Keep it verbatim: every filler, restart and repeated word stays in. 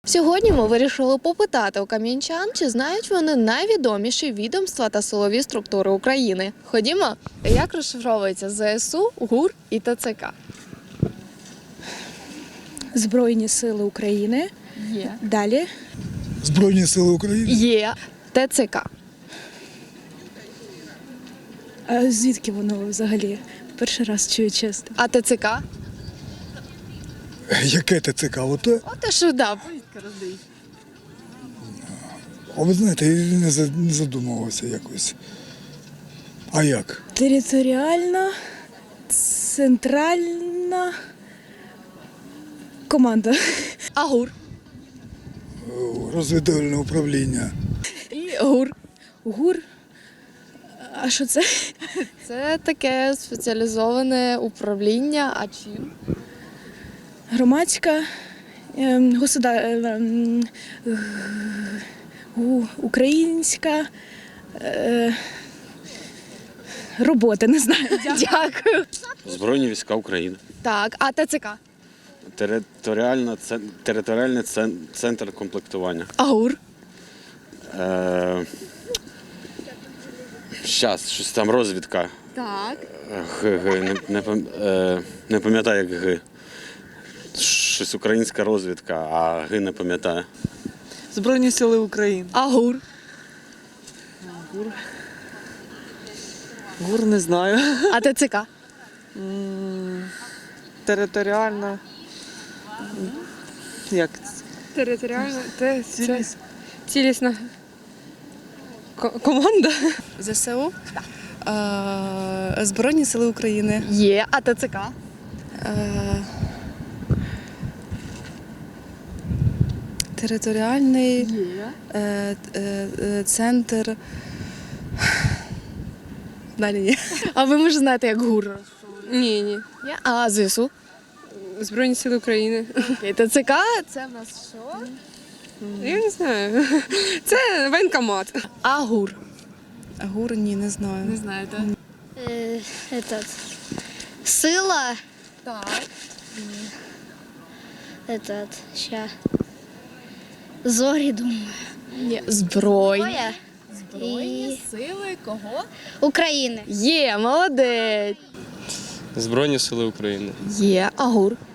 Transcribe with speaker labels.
Speaker 1: Сьогодні ми вирішили попитати у кам'янчан, чи знають вони найвідоміші відомства та силові структури України. Ходімо, як розшифровується ЗСУ, ГУР і ТЦК?
Speaker 2: Збройні сили України.
Speaker 1: Є.
Speaker 2: Далі.
Speaker 3: Збройні сили України.
Speaker 1: Є. ТЦК.
Speaker 2: А звідки воно взагалі? Перший раз чую, чесно.
Speaker 1: А ТЦК?
Speaker 3: Яке ТЦК? Оте?
Speaker 1: О, те, що да, повістка роздають.
Speaker 3: А ви знаєте, я не за- не задумувався якось. А як?
Speaker 2: Територіальна, центральна команда.
Speaker 1: А ГУР?
Speaker 3: Розвідувальне управління.
Speaker 1: І ГУР.
Speaker 2: ГУР. А що це?
Speaker 1: Це таке спеціалізоване управління, а чим?
Speaker 2: Громадська, ем, государ... ем, гу- українська е, робота, не знаю.
Speaker 1: Дякую.
Speaker 4: Збройні війська України.
Speaker 1: Так, а ТЦК?
Speaker 4: Територіальна, це- територіальний цен- центр комплектування.
Speaker 1: А ГУР?
Speaker 4: Е, Щас, щось там розвідка.
Speaker 1: Так.
Speaker 4: Г, Г, не, не, пам- е, не пам'ятаю, як Г. Щось українська розвідка, а Г не пам'ятаю.
Speaker 5: Збройні сили України.
Speaker 1: А ГУР?
Speaker 5: ГУР не знаю.
Speaker 1: А ТЦК?
Speaker 5: Територіальна. Як? це?
Speaker 6: Територіальна те, це
Speaker 5: Ціліс-
Speaker 6: цілісна ко- команда.
Speaker 7: ЗСУ, е, Збройні сили України,
Speaker 1: Є. А ТЦК?
Speaker 7: е, територіальний е, е, е, центр. Далі ні.
Speaker 1: А ви, може, знаєте, як ГУР?
Speaker 6: Ні, ні.
Speaker 1: Є. А ЗСУ?
Speaker 6: Збройні сили України.
Speaker 1: Окей, ТЦК це в нас що?
Speaker 6: Я не знаю. Це воєнкомат.
Speaker 1: А ГУР?
Speaker 7: ГУР ні, не знаю.
Speaker 1: Не знаєте.
Speaker 8: Э, этот сила
Speaker 1: Так.
Speaker 8: этот ща зорі думаю.
Speaker 1: Ні. Збройні.
Speaker 8: Боя
Speaker 1: Збройні
Speaker 8: і
Speaker 1: сили кого?
Speaker 8: України.
Speaker 1: Є, молодець.
Speaker 9: Збройні сили України.
Speaker 1: Є. А ГУР?